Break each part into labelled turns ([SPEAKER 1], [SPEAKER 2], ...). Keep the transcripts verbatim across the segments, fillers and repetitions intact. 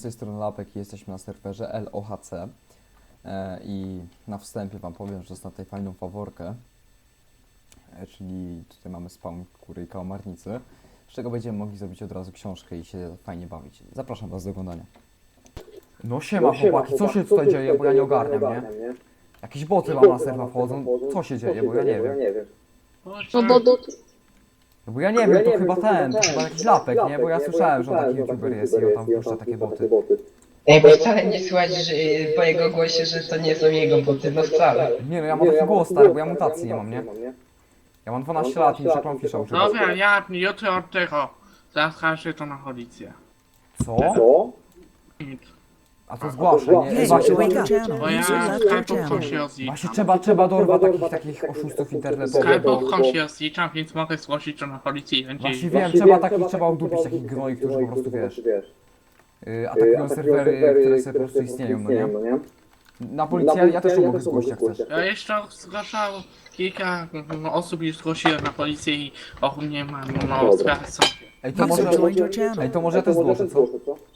[SPEAKER 1] tej strony Lapek i jesteśmy na serwerze L O H C e, i na wstępie wam powiem, że dostałem tutaj fajną faworkę, e, czyli tutaj mamy spawn kury i kałamarnicy, z czego będziemy mogli zrobić od razu książkę i się fajnie bawić. Zapraszam was do oglądania. No siema chłopaki, co się tutaj dzieje, bo ja nie ogarniam, nie? Jakieś boty wam na serwa wchodzą, co się dzieje, bo ja nie wiem.
[SPEAKER 2] No bo do...
[SPEAKER 1] No bo ja nie wiem, to chyba ten, to chyba jakiś Lapek, nie? Bo ja słyszałem, że on taki youtuber jest i on tam puszcza takie boty.
[SPEAKER 3] Ej, bo wcale nie słychać że, po jego głosie, że to nie są jego boty, no wcale.
[SPEAKER 1] Nie no, ja mam taki głos stary, bo ja mutacji nie mam, nie? Ja mam dwanaście lat i muszę Clownfisha używać.
[SPEAKER 2] Dobra, ja jutro od tego zaskarżę to na policję.
[SPEAKER 1] Co?
[SPEAKER 2] Nic.
[SPEAKER 1] A to zgłaszę, nie? Ej, właśnie,
[SPEAKER 2] Bo ja skarbówką się
[SPEAKER 1] właśnie
[SPEAKER 2] rozliczam.
[SPEAKER 1] trzeba, trzeba dorwać takich, takich oszustów internetowych.
[SPEAKER 2] Skarbówką się rozliczam, więc mogę zgłosić to na policję i będzie...
[SPEAKER 1] Właśnie wiem, trzeba takich, trzeba udupić takich gnoi, którzy po prostu, wiesz, yy, atakują serwery, które sobie po prostu istnieją, no nie? Na policję ja też to mogę zgłosić, jak chcesz.
[SPEAKER 2] Ja jeszcze zgłaszał kilka mm, osób już zgłosiłem na policję i ogólnie mam no sprawy są.
[SPEAKER 1] Ej, to może, ej, to może ja też zgłoszę, co?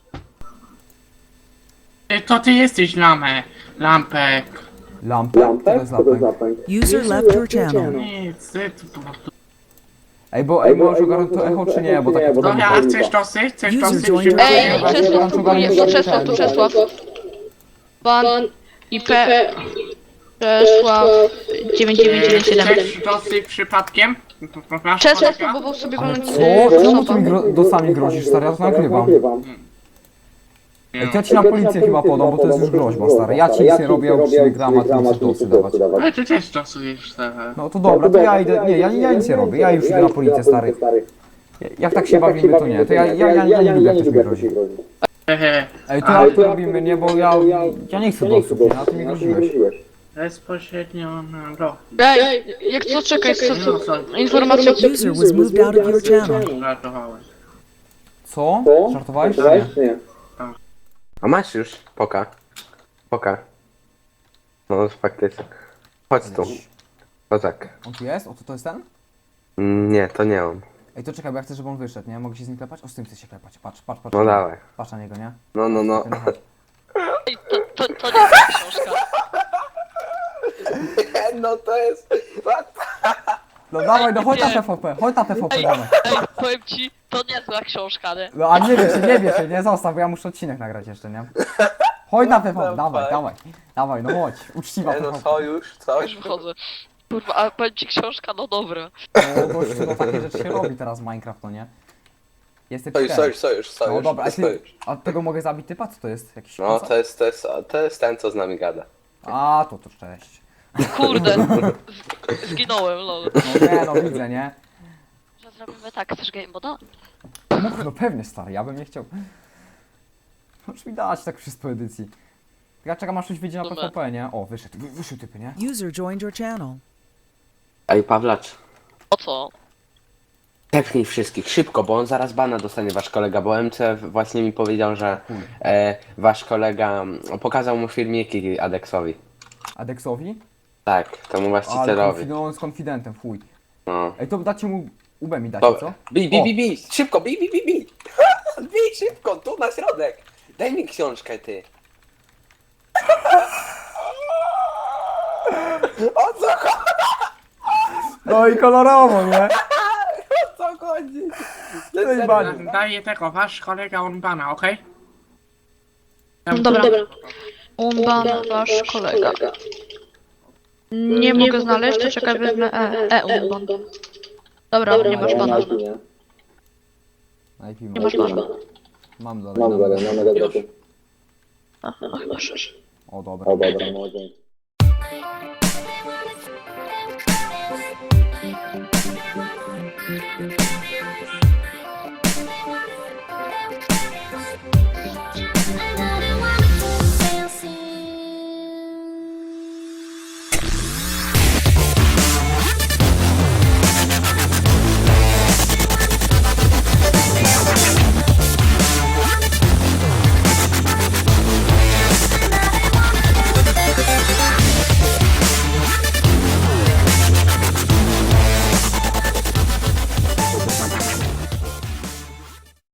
[SPEAKER 2] Ej, to ty jesteś lamę, lampek.
[SPEAKER 1] Lampę? Co to jest lampę?
[SPEAKER 4] User left your channel.
[SPEAKER 2] Nic, ty tu po prostu.
[SPEAKER 1] Ej, bo, ej, możesz ogarnąć to echo, czy nie? Bo takie to
[SPEAKER 2] Dobra, a chcesz dosyć? Chcesz
[SPEAKER 4] User
[SPEAKER 2] dosyć?
[SPEAKER 4] joined your
[SPEAKER 2] Ej,
[SPEAKER 4] channel.
[SPEAKER 5] Ej, Czesław próbuje, to Czesław, to Czesław. Pan I P Czesław dziewięć dziewięć dziewięć siedem.
[SPEAKER 2] chcesz dosyć przypadkiem? Masz
[SPEAKER 5] Czesław
[SPEAKER 2] kolega?
[SPEAKER 5] próbował sobie
[SPEAKER 1] Ale
[SPEAKER 5] walnąć
[SPEAKER 1] co? Czemu ty mi gro dosami grozisz, stary? Ja to nagrywam. Ej, to ja ci na policję chyba podam, bo to jest już groźba, stary. Ja ci nic nie robię, ja uczciwy gram, a ty musisz dosy dawać.
[SPEAKER 2] Ale ty też stosujesz teraz.
[SPEAKER 1] No to dobra, to ja idę, nie, ja, ja nic nie robię, ja już idę na policję, stary. Jak tak się bawimy, to nie, to ja, ja, ja, ja nie lubię, jak ktoś mi grozi.
[SPEAKER 2] Hehe,
[SPEAKER 1] Ej, to jak to robimy, nie, bo ja, ja nie chcę dosów, nie, a ty mi groziłeś.
[SPEAKER 2] bezpośrednio na do.
[SPEAKER 5] Ej, jak co, czekaj, co,
[SPEAKER 2] No
[SPEAKER 5] co,
[SPEAKER 2] co?
[SPEAKER 5] informacja.
[SPEAKER 4] User was moved out of your channel.
[SPEAKER 2] Żartowałem.
[SPEAKER 1] Co? Żartowałeś, czy nie?
[SPEAKER 6] A masz już? Poka. Poka. No faktycznie. Chodź tu. No tak.
[SPEAKER 1] On tu jest? O, to, to jest ten?
[SPEAKER 6] Mm, Nie, to nie on.
[SPEAKER 1] Ej, to czekaj, bo ja chcę, żeby on wyszedł, nie? Mogę się z nim klepać? O, z tym chcę się klepać, patrz, patrz, patrz.
[SPEAKER 6] No dawaj.
[SPEAKER 1] Patrz na niego, nie?
[SPEAKER 6] No, no, no.
[SPEAKER 1] Ten, chodź.
[SPEAKER 5] To, to, to nie jest książka.
[SPEAKER 6] No to jest...
[SPEAKER 1] No dawaj, no chodź na P V P, chodź na P V P,
[SPEAKER 5] Ej,
[SPEAKER 1] dawaj.
[SPEAKER 5] ej, powiem ci, to niezła książka, nie?
[SPEAKER 1] No a nie wiesz się, nie wiesz się, nie zostaw, bo ja muszę odcinek nagrać jeszcze, nie? Chodź na P V P, dawaj, dawaj, dawaj, no chodź, uczciwa
[SPEAKER 6] Nie
[SPEAKER 1] P
[SPEAKER 6] no,
[SPEAKER 1] V P.
[SPEAKER 6] co już? Co?
[SPEAKER 5] Już wychodzę. Kurwa, ale powiem ci książka, no dobra.
[SPEAKER 1] No gościu, no takie rzeczy się robi teraz w Minecraft, no nie? Jesteś
[SPEAKER 6] Sojusz, sojusz, sojusz, sojusz.
[SPEAKER 1] No dobra, a, ty,
[SPEAKER 6] sojusz.
[SPEAKER 1] a tego mogę zabić typa? Co to jest? Jakiś
[SPEAKER 6] No
[SPEAKER 1] kosa?
[SPEAKER 6] to jest, to jest, to jest ten, co z nami gada.
[SPEAKER 1] A, to to cześć.
[SPEAKER 5] Kurde. Zginąłem, lol.
[SPEAKER 1] No nie, no widzę, nie?
[SPEAKER 5] Że zrobimy tak, chcesz game moda?
[SPEAKER 1] No, no pewnie stary, ja bym nie chciał. Możesz mi dać tak wszystko edycji. Ja czekam aż coś wyjdzie na P
[SPEAKER 5] Dobra.
[SPEAKER 1] V P, nie? O, wyszedł, wy, wyszedł typy, nie?
[SPEAKER 4] User joined your channel.
[SPEAKER 6] Ej, Pawlacz.
[SPEAKER 5] O co?
[SPEAKER 6] Tepnij wszystkich, szybko, bo on zaraz bana dostanie wasz kolega, bo M C właśnie mi powiedział, że e, wasz kolega mm, pokazał mu filmiki Adexowi.
[SPEAKER 1] Adexowi?
[SPEAKER 6] Tak, temu
[SPEAKER 1] Ale
[SPEAKER 6] właścicielowi.
[SPEAKER 1] konfi- no on z konfidentem, chuj.
[SPEAKER 6] No.
[SPEAKER 1] Ej, to dacie mu U B mi dacie,
[SPEAKER 6] Dobra.
[SPEAKER 1] co?
[SPEAKER 6] Bij, bij,
[SPEAKER 1] O.
[SPEAKER 6] bij, bij, szybko, bij, bij, bij, bij. Bij szybko, tu na środek. Daj mi książkę, ty. O co chodzi?
[SPEAKER 1] No i kolorowo, nie?
[SPEAKER 6] O co chodzi? To
[SPEAKER 1] jest
[SPEAKER 6] jest
[SPEAKER 1] bani.
[SPEAKER 6] serio.
[SPEAKER 2] Daję tego, wasz kolega on bana, okej?
[SPEAKER 5] Dobra. Umban, wasz kolega. Nie mogę znaleźć, to czekaj, wezmę E, e Umban. Dobra, nie masz bana.
[SPEAKER 1] Na I P
[SPEAKER 5] Nie masz bana.
[SPEAKER 1] Mam dalej, mam dalej.
[SPEAKER 5] Aha, no chyba już.
[SPEAKER 1] O, dobra.
[SPEAKER 7] O dobra, może.